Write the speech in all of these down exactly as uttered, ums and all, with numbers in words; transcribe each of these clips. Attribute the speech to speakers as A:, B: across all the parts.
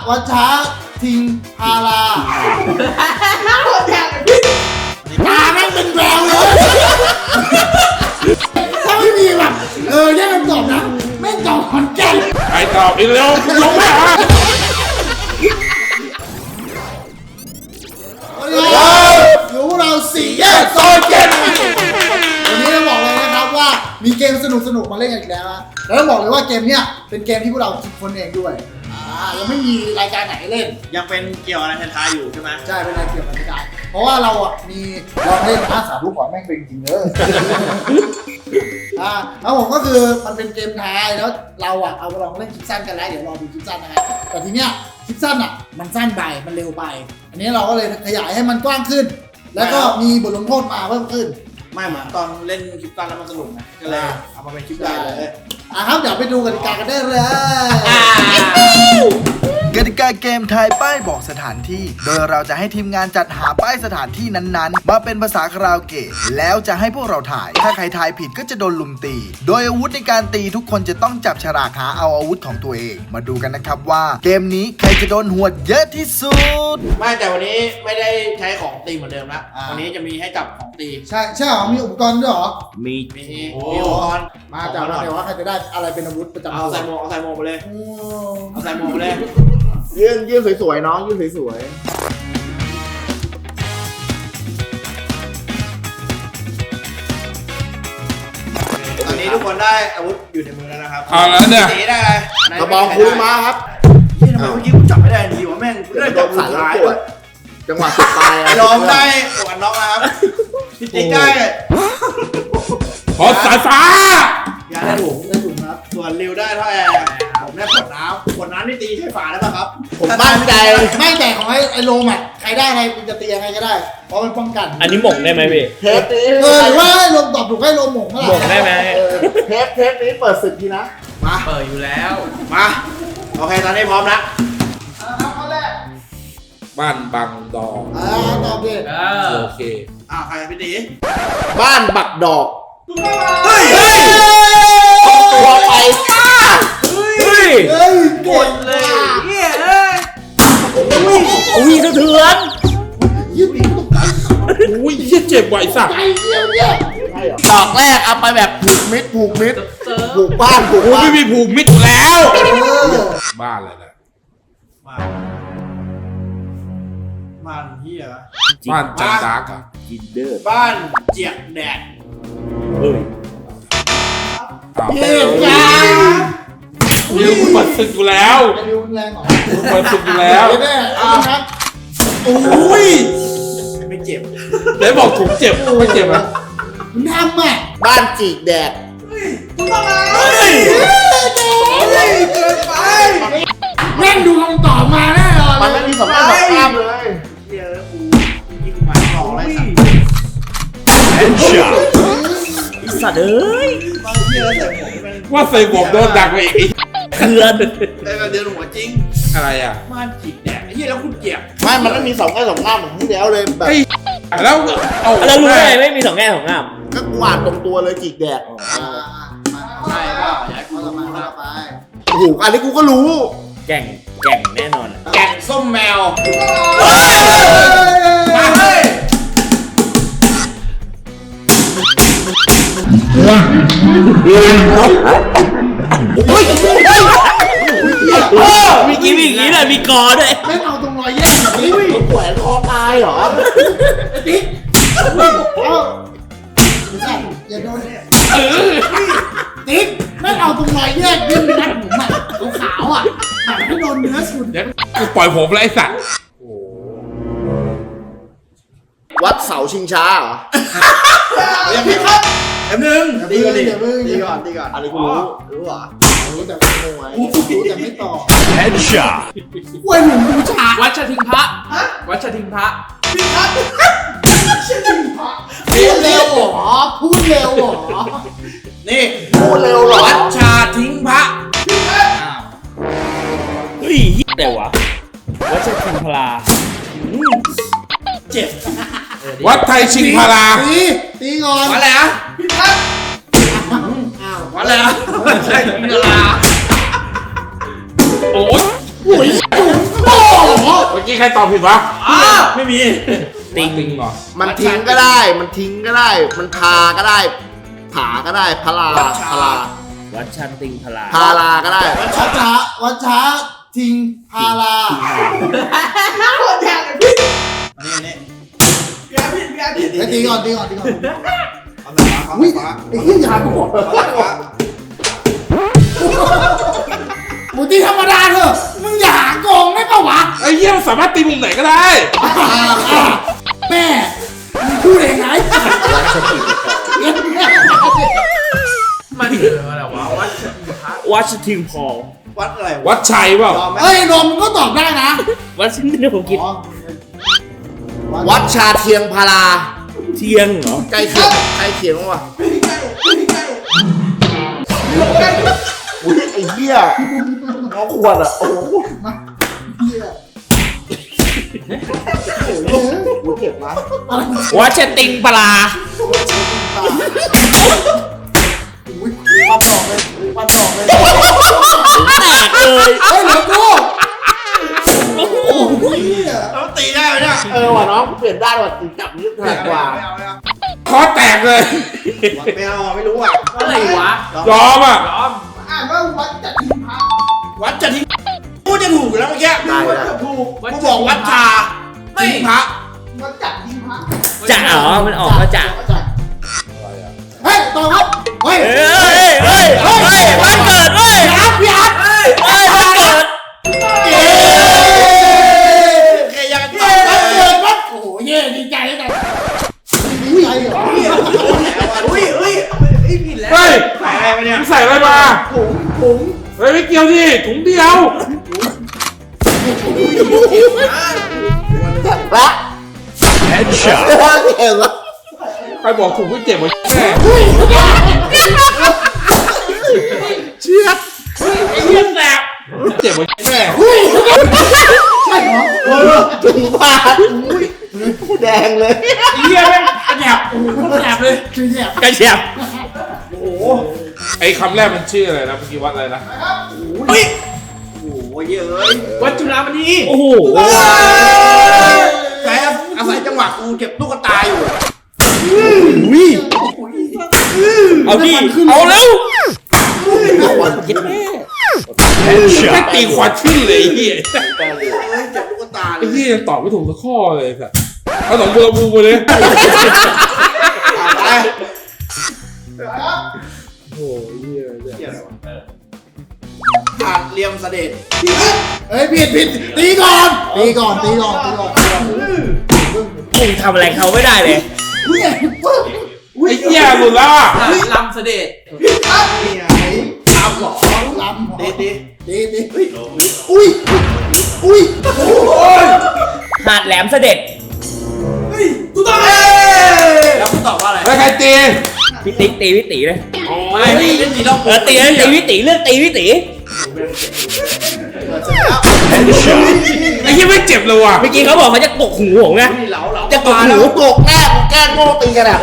A: วัชชาทิงพาราตาแม่งเป็นแววเลยถ้าไม่มีแบบเออแยกคำตอบนะแม่งตอบขอนแก่น
B: ใครตอบอีกแล้วลงไม่หา
A: อยู่เราสี่แยกโซนเกมวันนี้เราบอกเลยนะครับว่ามีเกมสนุกสนุกมาเล่นกันอีกแล้วนะแล้วต้องบอกเลยว่าเกมเนี้ยเป็นเกมที่พวกเราคิดค้นเองด้วยอ่ายังไม่มีรายการไหนเล่น
C: ยังเป็นเกี่ยวอะไรท้ายๆอยู่ใช่ไหม
A: ใช่เป็นรายเกี่ยวกับรายการเพราะว่าเราอ่ะมีลองเล่นอาสาลูกขอแม่งเป็นจริงเลยอ่าแล้วผมก็คือมันเป็นเกมท้ายแล้วเราอ่ะเอาไปลองเล่นคลิปสั้นกันแล้วเดี๋ยวรอดูคลิปสั้นนะครับแต่ทีเนี้ยคลิปสั้นอ่ะมันสั้นไปมันเร็วไปอันนี้เราก็เลยขยายให้มันกว้างขึ้นแล้วก็มีบทลงโทษมาเพิ่มขึ้น
C: ไม่เหมือนตอนเล่นคลิปสั้นแล้วมันสนุกนะก็เลยเอามาเป็นคลิปใหญ่เลย
A: อ่ะครับเดี๋ยวไปดูกติกากันได้เลย
D: กติกาเกมทายป้ายบอกสถานที่โดยเราจะให้ทีมงานจัดหาป้ายสถานที่นั้นๆมาเป็นภาษาคาราโอเกะแล้วจะให้พวกเราถ่ายถ้าใครทายผิดก็จะโดนลุมตีโดยอาวุธในการตีทุกคนจะต้องจับฉลากหาเอาอาวุธของตัวเองมาดูกันนะครับว่าเกมนี้ใครจะโดนหวดเยอะที่สุด
C: ไม่แต่วันนี้ไม่ได้ใช้ของตีเหมือนเดิมละวันนี้จะมีให้จับของตี
A: ใช่ใช่หรอมีอุปกรณ์ด้วยหรอ
C: มีมีมีอุปกรณ์
A: มาจับเดี๋ยวว่าใครจะได้อะไรเป็นอาวุธประจำ
C: เอาใส่หมวกเอาใส่หมวกไปเลยเอาใส่หมวกไปเลย
E: ยื่นยื่นสวยๆน้องยื่นสวย
C: ๆตอนนี้ทุกคนได้อาวุธอยู่ในมือแล้วนะครับ
B: เอาแล้วเนี่ย
C: สีได้อะไร
E: กระบอกคุยมาครับ
C: ที่ทำไมเมื่อกี้กูจับไม่ได้ดีวะแม่งกูได้จับสุดท้ายด้วย
E: จังหวะสุดท้าย
C: ยอมได้หมวกกันน็อกนะครับพี่ติ๊กได้
B: ขอสายฟ้
C: ายาได้ถุง
A: ได้ถุงครับ
C: ส่วนริวได้เท่าแอร์ผมได้ขวดน้ำขวดน้ำนี่ตีใช้ฝาได้ป่ะครับ
E: ผมมั่นใจ
A: ไม่แต่ของไอ้ไอ้โลมอ่ะใครได้อะไรจะตียังไงก็ได้เพราะมันป้องกัน
F: อันนี้หม่งได้ไหมพี่
E: เทปนี้
A: เออหรือว่าให้โลมตอบถูกให้โลมหม่งเมื่อไหร่
F: หม่งได้ไหม
E: เทปเทปนี้เปิดศึกทีนะ
C: มาเปิดอยู่แล้วมาโอเคตอนนี้พร้อมแล้ว
B: บ้านบังดอก
A: อ่าตอบดิ
B: โอเค
C: อ่าใครพี่ตี
E: บ้านบักดอก
C: เฮ้ย
E: ตัวไป
F: เฮ้ย
A: เฮ้ย
C: หมดเลยเฮ้ยเอ้ย
F: อุ้ยสะเทือน
A: ยืดปีกตกใจ
B: อุ้ยเจ็บไหวสัก
A: ใจเดียวเนี่ย
E: ดอกแรกเอาไปแบบผูกมิดผูกมิดผูกบ้านผูกบ้าน
B: ไม่มีผูกมิดแล้วบ้านอะไรนะ
C: บ้านบ้านเฮีย
B: บ้านจันดาร์กอะ
F: จินเดอร์
C: บ้านเจียกแดด
F: เฮ้ย
A: เฮียจ้า
B: เดี๋ยวกูเปิดศึกอยู่แล้ว
A: ริวแรงหรอ
B: เปิดศึกอยู่แล้ว
A: แน่ครับ
B: โอ้ย
C: ไม่เจ็บ
B: ไหนบอกถูกเจ็บไม่เจ็บนะ
A: มึงทำอ่ะ
E: บ้านจีกแดด
C: มึงทำอะไรเกินไป
A: แม่งดูคำตอบมาแน่นอน
E: มันไม่มีสองข้างสองข้างเลย
C: เฮียแล้วกูยิงหมายหลอกอะไรสัก
F: เอ็นชาสัตว์เอ้ย
B: ว่าใส่หมวกโดนดักไปอีก
F: เขื่อน
C: ได้มาเดินหัวจริง
B: อะไรอ่ะ
C: บ้านจีกแดดไอ้เหี้ยแล้วคุณเจ็บ
E: ไม่มันไม่มีสองแง่สองงามเหมือนที่แล้วเลยแบบ
B: แล้วเอา
F: แล้วรู้ได้ไม่มีสองแง่สองงาม
E: ก็กวาดตรงตัวเลยจีกแดด
C: ใช่เปล่าอยากให้กูรู้นะ
A: ไป
E: โอ้โหอันนี้กูก็รู้
F: แก่งแก่งแน่นอน
C: แก่งส้มแมว
A: มาเฮ้ย
F: มีกี่มีกี่เลยมีกอด้วย
A: ไม่เอาตรงรอยแยกแบบนี้
E: แขวนคอตายเหรอ
A: ติ๊กเอาอย่าโดนติ๊กไม่เอาตรงรอยแยกดิ้นนัดผมอ่ะขาวอ่ะแบบให้โดนเนื้อสุด
B: เดี๋ยวกูปล่อยผมเลยไอ้สัตว์
E: วัดเสาชิงช้าเหรอ
C: ยังไม่ครับแป๊บนึง
A: ดีก่อนดี
C: ดีก่อนดีก่อน
E: อันนี้กูรู้รู้เหรอ
A: รู้แต่ไม่รู้รู้แต่ไม่ตอบ
F: แฮนชา
A: เว้ยหนุ่มบูชา
F: วัชทิงพระวัชทิงพระ
C: พี่ครับ
A: พูดเร็วหรอพูดเร็วหรอ
C: นี่
E: พูดเร็วหรอ
C: วัดชาทิ้งพระ
F: เฮ้ยแต่วะวัชทิงพลา
C: เจ็บ
B: วัดไทยชิงพารา
A: ตีตีงอน
C: วัดอะไรอ่ะพี่พัดวัดอะไรอ่ะวัดไทยชิงพารา
B: โอ้ย
A: โอ้ย
B: กี้ใครตอบผิดวะ
C: อ้าวไม่มี
B: ติงติงเหรอ
E: มันทิ้งก็ได้ มันทิ้งก็ได้ มันพาก็ได้ ผาก็ได้พลาพลา
F: วัดชันติงพลา
E: พาลาก็ได้
A: วัชช้าวัชช้าทิงพารา
C: อันนี้อันนี้พี่อาร์พี่พี่อาร์พี่
A: เฮ้ยตีก่อนตีก่อนตีก่อน
C: เอาหน่อยมา
A: อุ้ย
C: ฟ้า
A: ไอ้เหี้ยยากูหมด
C: ฟ้า
A: หมูตีธรรมดาเถอะมึงอย่าหาโกงได้ปะวะ
B: ไอ้เหี้ยมันสามารถตีมุมไหนก็ได้
A: อ่าอ่าแม่มึงพูดเองไง
C: มันคืออะไรวะวัด
F: วัดทิงพอล
C: วัดอะไร
B: วัดชัยเปล่า
C: ยอมไหม
A: เฮ้ยนมมึงก็ตอบได้นะ
F: วัดชิ้นเดียวผมคิด
A: อ๋อ
E: วัดชาเทียงพารา
F: เทียงเหรอ
E: ใกล้เคียงใกล้เคียงว่ะอุ้ยไอ้เหี้ยน้องขวดอ่ะ โอ้โห
A: เหี้ย
E: กูเจ็บนะ
F: วัดชติงพลา
A: อุ้ยความสองเลยความสองเลย
F: แตกเลย
A: เฮ้ยเหลือกูโอ้โหเหี้ย
C: แล้วตีได้ไหมเนี่ย
E: เออว่ะน้องเปลี่ยนด้านว่ะตีจับนิ้วถนัดกว่า
C: ไม่เอาไม่เอา
B: คอแตกเลย
C: ไม่เอาไม่รู้อ่ะอะไรวะ
B: ยอมอ่ะ
C: ยอม
A: อ่านว่าวัดจัดทิงพา
C: วัดจะทิ้งกูจะถูกอยู่แล้วเมื่อกี้
E: ได้ได้
A: ถูก
C: กูบอกวัดชาทิ้งพระ
A: วัดจัดทิงพา
F: จะเหรอมันออกมาจาก
A: เฮ้ยต่อครับเฮ้ย
F: เฮ้ยเฮ้ยเฮ้ยเฮ้ยวันเกิดเว้ย
A: พี่อาร์ตพี่อาร์ต
F: เฮ้ยวันเกิด
A: เย้
C: เคยยัง
A: เย้วันเกิดวัดโอ้โหเย้ดีใจเลยกันดีใจเหรอ
C: อุ้ยอุ้ยอุ้ยผิดแล้ว
B: เฮ้ย
C: ใส่อะไรมาเนี่ย
B: มึงใส่อะไรมา
A: ถุงถุง
B: เฮ้ยไม่เกี่ยวดิถุงเดียว
E: จัดละแฮนด์ช็อตเห็นละ
B: ใครบอกถุงไม่เจ็บวะแม่
E: เชือด
B: ไอ้เหี้ยแสบเจ็บวะแม่
A: ใช่เหรอ
E: เออถึงพาอุ้ยแดงเลย
B: ไอ้เหี้ยแม่งกระแถบโอ้โหกระแถบเลย
A: คือเนี่ย
F: กระเชียบ
B: ไอ้คำแรกมันชื่ออะไรนะเมื่อกี้วัดอะไรนะ
C: อุ้ยโอ้ยเยอะวัดจุฬามณี
F: โอ้โห
C: แกอาศัยจังหวะกูเก็บตุ๊กตาอยู่
F: เอาดิเอาเร็วคิดแม่
B: แม่งตีขวาขึ้นเลยไอ้เหี้ย
C: เอ้ยเก็บตุ๊กตาเล
B: ไอ้
C: ย
B: เหี้ยยังตอบไม่ถูกสักข้อเลยสัสเอาหนองบัวลำพูไปเลย
C: ไป
B: โอ้ยเหี้ยเนี่ย
C: เกี่ยวอะไรวะขาดเลียมเสด็จ
A: เฮ้ยผิดผิดตีก่อนตีก่อนตีก่อนตีก่อน
F: มึงทำอะไรเขาไม่ได้เลย
A: อุ้ยปึ๊บ
B: ไอ้เหี้ยหลุดแล้วอ่ะ
C: ลำเสด็จนี่ไงลำหรอ
A: ลำ
C: ดีดี
A: ตีตีอุ้ยอุ้ย
F: หาดแหลมเสด็จ
C: ถูกต้องแล้วคุณตอบว่าอะไร
B: แล้วใครตี
F: พี่ติ๊กตีพี่ตีเลย
C: ไม่ไม่ไม่มีต้อง
F: เออตีเลยตีพี่ตีเลือกตีพี่ตี
B: ไอ้เหี้ยไม่เจ็บเลยว่ะ
F: เมื่อกี้เขาบอกเขาจะกกหูผมไง
C: เหลาเหลา
F: จะกก
E: ห
F: หู
E: นูกกแน่กูแกล้งโง่ตีกันอ่ะ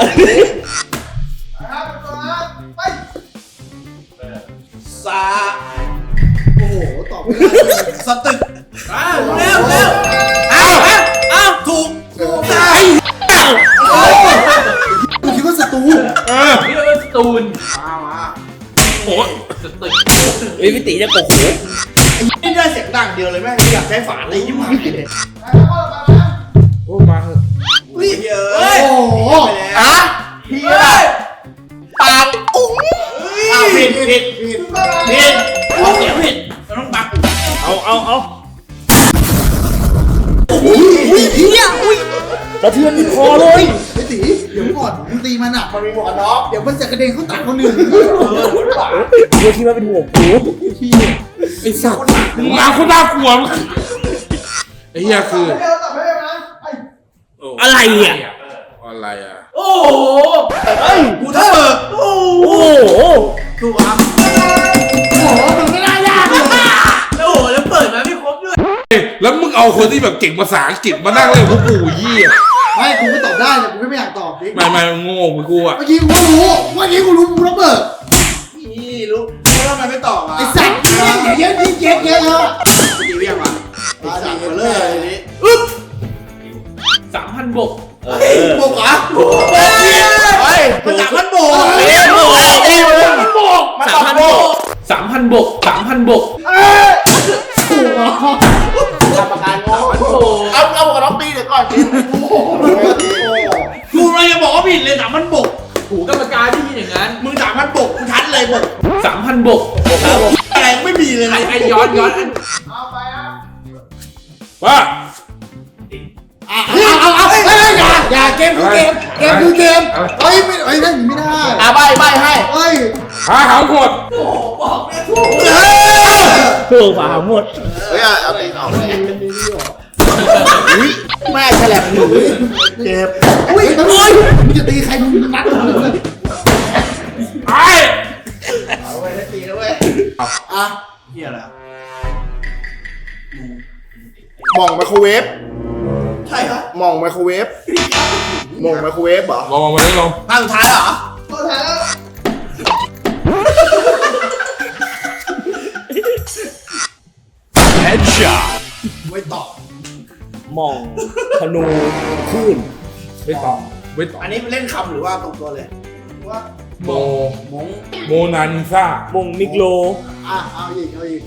C: ซา
A: โอ้โหตอบไม่ได้
C: สตึกอ้าวเร็วเร็ว
B: อ้าว
C: อ้าวถูกถูก
B: ไอ้เหี้ย
A: กูคิดว่าศัตรู
B: เออ
C: นี่เป็นสตูนมามา
B: โอ้ย
C: สตึก
F: เฮ้ยพี่ตีจะกกหู
C: นี่ได้เสียงดังเดียวเลยแม่งอยากใช้ฝาตียิ่งมากเลย
B: โอ้มาเถอะ
C: อุ้ยเยอะ
A: โอ้โห
C: อ่ะพี่อะไรปากอุ้งอ้าวผิดผิด
A: ผิด
C: ผิดเอาเสียงผิดเราต้องปัก
F: เอาเอาเอา
A: อุ้ยอุ้ยเฮียอุ้ย
F: สะเทือนคอเลย
A: ไอ้ตีเดี๋ยวก่อนมึงตีมันอ่ะ
C: มันมีหมวกกันน็อก
A: เดี๋ยวมันจะกระเด็นเข้าตาคนอื่น
C: เออหรือเปล่า
F: กูคิดว่าเป็นห่วงกู
B: ไอ้สัตว์มึงมาคนน่ากลัวมึงไอ้เหี้ยคือ
F: อะไรอ่ะ
B: อะไรอ่ะ
C: โอ้โหเฮ้ยกูถ้าเบิกโอ้
F: โอ้โห
C: ถูกครับ
A: โอ้โหมันไม่น่ายากเลย
C: แล้วโอ้แล้วเปิดมาไม่ครบด้วย
B: เฮ้ยแล้วมึงเอาคนที่แบบเก่งภาษาอังกฤษมานั่งเล่นพวกกูเหี้ย
A: ไม่กูไม่ตอบได้แต่กูไม่อยากตอบดิ
B: ไม่ไม่โง่เหมือนกูอ่ะ
A: เมื่อกี้กูก็รู้เมื่อกี้กูรู้กูระเบิด
C: นี่รู้แล้วทำไมไม่ตอบอ่ะ
A: ไอ้สัตว์เยอะเยอะเยอะเยอะเยอะ
C: ตีเรียกมาไอ้สัตว์เบลอเลยนี่
F: เฮ้บกเออ
C: บุกเหรอบุกเฮ้ยมันสามพันบุก
F: เรียบร้อย
C: มันบุกมัน
F: สามพัน
C: บุ
F: บ
C: ก
F: กสามพันบกสามพันบก
C: กรรมการงง
F: โอ้โห
E: เอาเอากับน้องตีเดี๋ยวก่อน
C: กูเลยจะบอกว่าผิดเลยสามพันบุก
F: หูกรรมการที่มีอย่างนั้น
C: มึงสามพันบุกกูชัดเลยบุก
F: สามพันบกครับผม
C: อะไรไม่มีเลย
F: ไอ้
C: นะ
F: ไอ้ย้อนย้อนอัน
B: ว่า
A: อ่ะเอาเอาเอาเฮ้ยอย่าอย่าเกมคือเกมเกมคือเกมเฮ้ยไม่เฮ้ยนั่นไม่ได้
E: อ่ะใบใบให้
A: เฮ้ย
B: หาหางหด
F: ถูกป่าหมด
E: เฮ้ยเอาตีออกเลยอุ้ยแม่ฉลับหนูเจ็บ
A: อุ้ยตะลุยมึงจะตีใครมึงนัดมึงเลย
B: ไอ้
E: เอาไว้ให้ตีนะเว้ย
A: อ่ะ
C: เฮียอะไร
E: หม่องไมโครเวฟ
C: ใช่เหรอ
E: หม่องไมโครเวฟหม่องไมโครเวฟเหรอ
B: ลองมาเลยลอง
C: ภาคสุดท้ายเหรอ
A: ไม่ตอบ
F: มองธนูคลื่น
B: ไม่ตอบไม่ตอบ
C: อันนี้เล่นคำหรือว่าตรงตัวเลยว่า
B: โม
C: มง
B: โมนานิซ่าม
F: งมิกโล
A: อ่ะเอาอีกเอาอีก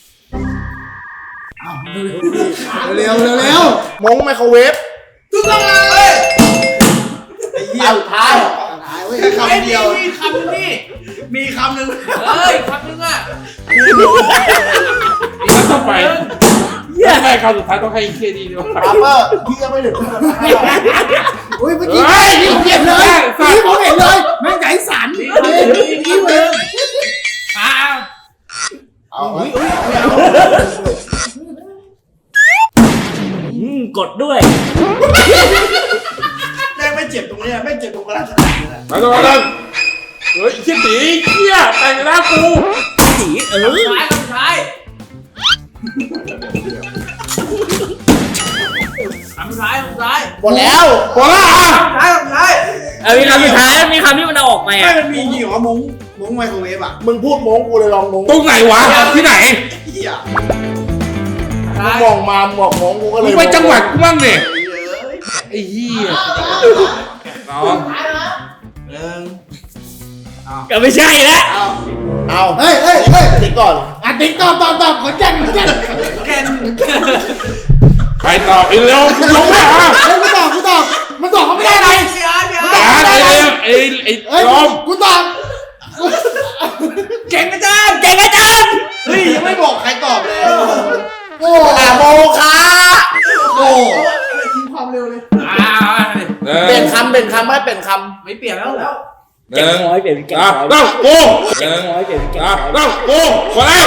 A: เอาเร็วเร็วเร็ว
E: หม่องไมโครเวฟ
C: ถูกต้องเลยไอ้เหี้ย
E: ท้าย
A: ตายเว้ย
C: แค่คำเดียวมีคำนึงนี่มีคำนึง
F: เฮ้ยคำนึงอ่ะ
B: แล้วต่อไปไม่ใช่คราวสุดท้ายต้องให้เคดีด้วย
E: ปาเปอร์พี่ยังไม่ถึง
A: อุ้ยเมื่อกี้
B: เฮ้ย
A: นี่ผมเห็นเลยนี่ผมเห็นเลยแม่งใจสั่นนี่นี่เว้ย
F: อ้าว
E: เอาไว้
F: อืมกดด้วย
C: แม่งไม่เจ็บตรงนี้ไม่เจ็บตรงกระดาษเลยนะ
B: มาต่อกันเฮ้ยเชี่ยตีเชี่ยแต่งหน้ากู
F: สีเออท้ายคำท้ายคำท้ายคำท้าย
E: หมดแล้ว
B: พอละอ่ะ
C: คำท้ายคำท้าย
F: เออมีคำสุดท้ายมีคำที่มันเอาออกไป
C: ไม่
F: อ่ะ
C: มันมีจริงเหรอมงมงไมโครเวฟอ่ะ
E: มึงพูดโม้งกูเลยลองโม้ง
B: ตรงไหนวะที่ไหน
C: เหี้ย
E: มึงมองมาบอกโม้งกูก็เล
B: มึ
E: ย
B: งไปจังหวัดกูบ้างดิไอ้เหี้ยน้อง
C: หนึ่ง
F: ก็ไม่ใช่แล้ว
E: เอา
A: เฮ้ยเฮ้ยเฮ้ย
E: ติ๊กก่อน
A: อ่ะติ๊กตอบตอบตอบขอนแก่นขอนแก่น
C: แกน
B: ใครตอบไอ้เร็วลงมาอ่ะ
A: เฮ้ยกูตอบกูตอบมันตอบเขาไม่ได้อะไร
C: พี่อาร์พี่อา
B: อ่า
C: ร์
B: ไอ้เร็วไอ้ไอ้
A: เฮ้ย
B: ลม
A: กูตอบ
C: เก่งอาจารย์
F: เก่งอาจารย์
C: เฮ้ยยังไม่บอกใครตอบเลย
A: โอ้
E: อ่ะโมคา
C: โอ้
A: ทิ้งความเร็วเลย
F: อ้าว
E: เปลี่ยนคำเปลี่ยนคำไม่เปลี่ยนค
C: ไม่เปลี่ยนแล้วแล้ว
B: หนึ่
F: เก่ง
B: ง
F: น้อยเปลี่ยนเป็นเก่ง
B: อ่ะ
F: น้อย
B: ต้องกูห
F: เก่ง
B: นึ่ง
F: น้อยเปลี่ยนเป็นเก่ง
B: อ่ะ
F: น้อย
B: ต้องกูคนแรก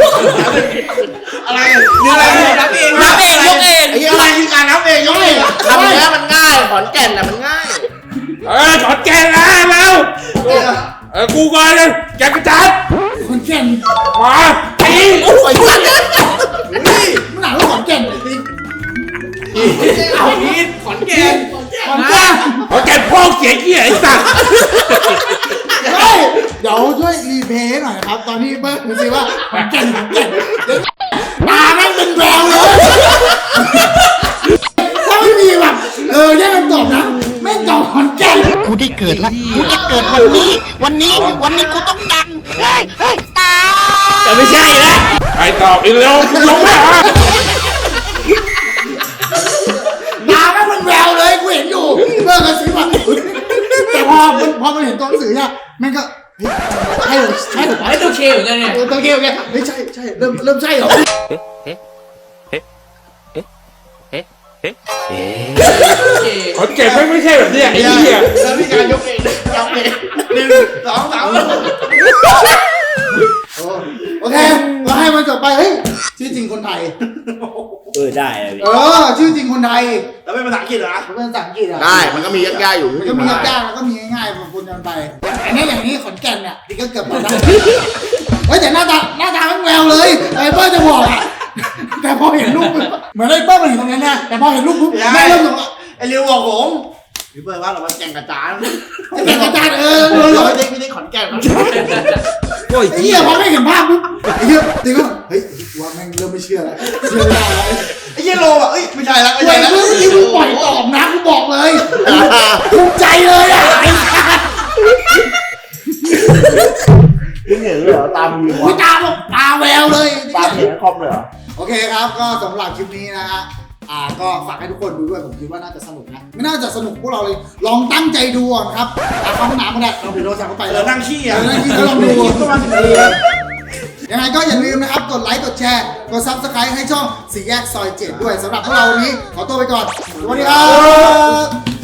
C: อะไรเนื้ออะไรนับเอง
F: นับเองยกเอง
C: ไอ้อะไรคือการนับเองยกเอง
E: ำคำนี้มันง่ายขอนแก่นน่ะมันง่าย
B: เออถอดแกนนะแล้วเออกูก่อนเลยแกกระจัด
A: ขอนแก่น
B: มาตี
E: โอ้ย
A: มันหนาว่าขอนแก่นเลยติ๊ก
C: เอาพีทขอนแก่น
A: ขอนแก่น
B: ถอดแกนพ่อเสียเหี้ยไอ้สัตว์
A: เฮ้ยเดี๋ยวช่วยรีเพลย์หน่อยครับ ตอนนี้เบิ้ลดูสิว่าขอนแก่นขอนแก่นตาแม่งเป็นแววเลยถ้าไม่มีแบบเออแยกกันตอบนะแม่งตอบขอนแก่น
G: กูได้เกิดแล้ว กูจะเกิดวันนี้ วันนี้ วันนี้กูต้องดัง เฮ้ย เฮ้ย ตาย
F: ก็ไม่ใช่แล้ว
B: ใครตอบไอ้เร็วลงมา
A: ตาแม่งเป็นแววเลยกูเห็นอยู่เบิ้ลกระซิบอ่ะแต่พอมันพอมันเห็นตัวหนังสือเนี่ยแม่งก็เฮ้ยใช่เหรอใช่เหรอ
F: ไอ้ตัวเคเหมือนกันเนี่ย
A: เออตัวเกลแกเฮ้ยใช่ใช่เริ่มเริ่มใช่เหรอ
B: ถอดแกนไม่ไม่ใช่แบบเนี้ยไอ้เหี้ย
C: แล้วพี่การยกเองยกเองหนึ่งสองสาม
A: โอเคเราให้มันจบไปเฮ้ยชื่อจริงคนไทย
F: เออได้เลย
A: เออชื่อจริงคนไทย
C: แล้วเป็นภาษาอังกฤษเหรอ
A: มันเป็นภาษาอังกฤษอ่ะ
E: ได้มันก็มียากๆอยู่
A: มันก็มียากๆแล้วก็มีง่ายๆของคุณกันไปอันนี้อย่างนี้ขอนแก่นเนี่ยนี่ก็เกือบมาได้เฮ้ยแต่หน้าตาหน้าตามันแววเลยไอ้เปิ้ลจะบอกอ่ะแต่พอเห็นรูปเหมือนไอ้เปิ้ลมันเห็นตรงนั้นนะแต่พอเห็นรูปปุ๊บแม่เริ่มสงสัย
C: ไอ้เรียวบอกผมพี่เบิร์ดว่าเรามาแข่งกระจาน
A: จะเป็นอาจารย์เออ
C: เอ
A: เล
C: อย ไม่ได้ไม่ได้ขอนแก่นครับ
F: โอ้ย
A: ไอ้เหี้ยพอไม่เห็นภาพปุ๊บไอ้เหี้ยตีก็เฮ้ยว่าแม่งเริ่มไม่เชื่อแล้วเชื่อไม่ได้แล้ว
C: ไอ้เหี้ยโลอ่ะเอ้ยไม่ใช่แล้วไม่
A: ไอ้
C: ใช่
A: เหี้
C: แล้ว
A: ยที่มึงปล่อยตอบนะกูบอกเลยภูมิใจเลยอ่ะไอ้สัส
C: มึงเห็นเลยเหรอตามมือ
A: กูตาบอกตาแววเลย
C: ตามเห็นคอมเลยเหรอ
A: โอเคครับก็สำหรับคลิปนี้นะฮะอ่าก็ฝากให้ทุกคนดูด้วยผมคิดว่าน่าจะสนุกนะไม่น่าจะสนุกพวกเราเลยลองตั้งใจดูก่อนครับอ่าเข้าห้องน้ำก็ได้ลองไปโดนสั่งเข้าไป
C: เอ
A: แล้
C: อ
A: ว
C: นั่งขี้อ่ะ
A: เออนั่งขี้ก็ลองดู
C: ก็มาสิบนาที
A: ยังไงก็อย่าลืมนะครับ กดไลค์ กดแชร์ กด ซับสไครบ์ ให้ช่องสี่แยกซอยเจ็ดด้วยสำหรับพวกเราวันนี้ ขอตัวไปก่อน สวัสดีครับ